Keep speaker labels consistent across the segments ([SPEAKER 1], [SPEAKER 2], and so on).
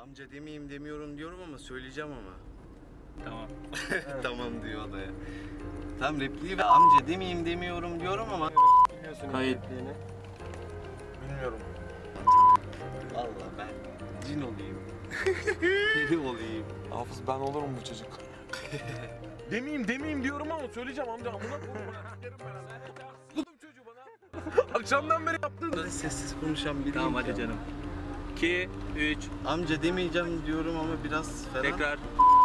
[SPEAKER 1] Amca demeyeyim demiyorum diyorum ama söyleyeceğim ama.
[SPEAKER 2] Tamam.
[SPEAKER 1] Tamam diyor o da ya. Tam repliği ve amca demeyeyim demiyorum diyorum ama.
[SPEAKER 2] Kayıt.
[SPEAKER 3] Bilmiyorum.
[SPEAKER 1] Vallahi ben cin olayım. Peri olayım.
[SPEAKER 3] Hafız ben olurum bu çocuk. demeyeyim diyorum ama söyleyeceğim amca amına koyayım. Derim ben. Kudum çocuğu bana. Akşamdan beri yaptın.
[SPEAKER 1] Böyle sessiz konuşan biriyim.
[SPEAKER 2] Tamam hadi
[SPEAKER 1] ya.
[SPEAKER 2] canım. 2, 3,
[SPEAKER 1] Amca demeyeceğim diyorum ama biraz falan.
[SPEAKER 2] tekrar.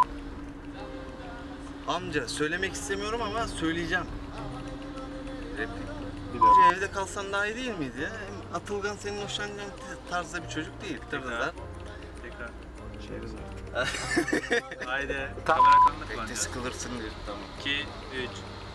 [SPEAKER 1] Amca söylemek istemiyorum ama söyleyeceğim. Replik. Amca evde kalsan daha iyi değil miydi ya? Hem Atılgan senin hoşlanacağın tarzda bir çocuk değil.
[SPEAKER 2] Tekrar. Tekrar.
[SPEAKER 3] Çeriz
[SPEAKER 2] Haydi. Kamera kanlı
[SPEAKER 1] Bekle
[SPEAKER 2] kullanacağız.
[SPEAKER 1] sıkılırsın diyor. Tamam.
[SPEAKER 2] 2, 3.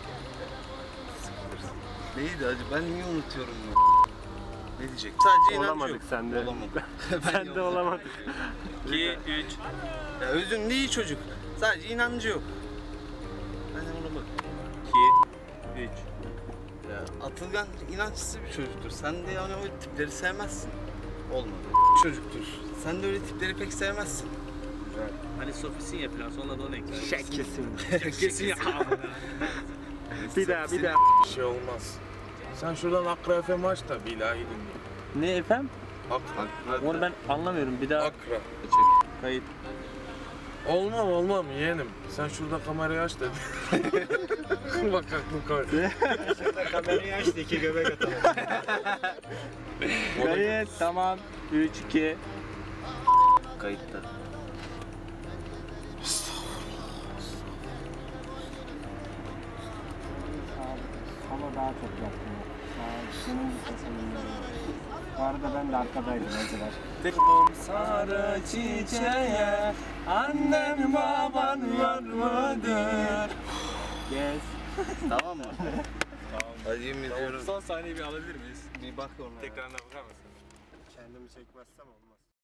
[SPEAKER 1] Neydi acı? Ben niye unutuyorum bunu? Ne diyecek? Sadece inancı
[SPEAKER 4] Olamadık
[SPEAKER 1] yok.
[SPEAKER 4] sen de.
[SPEAKER 1] Olamadık.
[SPEAKER 4] Sen de olamadın.
[SPEAKER 2] 2, 3.
[SPEAKER 1] Ya özünde iyi çocuk. Sadece inancı yok. Ben de ona bak.
[SPEAKER 2] 2, 3.
[SPEAKER 1] Ya Atılgan inançsız bir çocuktur. Sen de yani o tipleri sevmezsin. Olmadı. Çocuktur. Sen de öyle tipleri pek sevmezsin.
[SPEAKER 2] Hani Sofisin ya falan sonra da onu ekler.
[SPEAKER 4] Kesin.
[SPEAKER 2] Kesin ya.
[SPEAKER 4] Bir daha.
[SPEAKER 3] Bir şey olmaz. Sen şuradan Akra FM aç da bir ilahi dinle.
[SPEAKER 4] Ne efendim?
[SPEAKER 3] Akra.
[SPEAKER 4] Onu ben anlamıyorum. Bir daha
[SPEAKER 3] Akra.
[SPEAKER 4] kayıt.
[SPEAKER 3] Olmam yeğenim. Sen şurada kamerayı aç dedi. Bak aklım koydu.
[SPEAKER 4] Kamerayı açtı 2 göbek atalım. Kayıt tamam. 3, 2.
[SPEAKER 1] Kayıtta.
[SPEAKER 5] Ama daha çok yaptım. Senin sesinle. Bu arada ben de arkadaydım önceler.
[SPEAKER 4] Sarı çiçeğe annem baban var mıdır?
[SPEAKER 5] Yes.
[SPEAKER 1] Tamam mı? Tamam. Hadi yemin ediyorum.
[SPEAKER 2] Son sahneyi bir alabilir miyiz?
[SPEAKER 1] Bir bak ona.
[SPEAKER 2] Tekrarına bakar mısın?
[SPEAKER 5] Kendimi çekmezsem olmaz.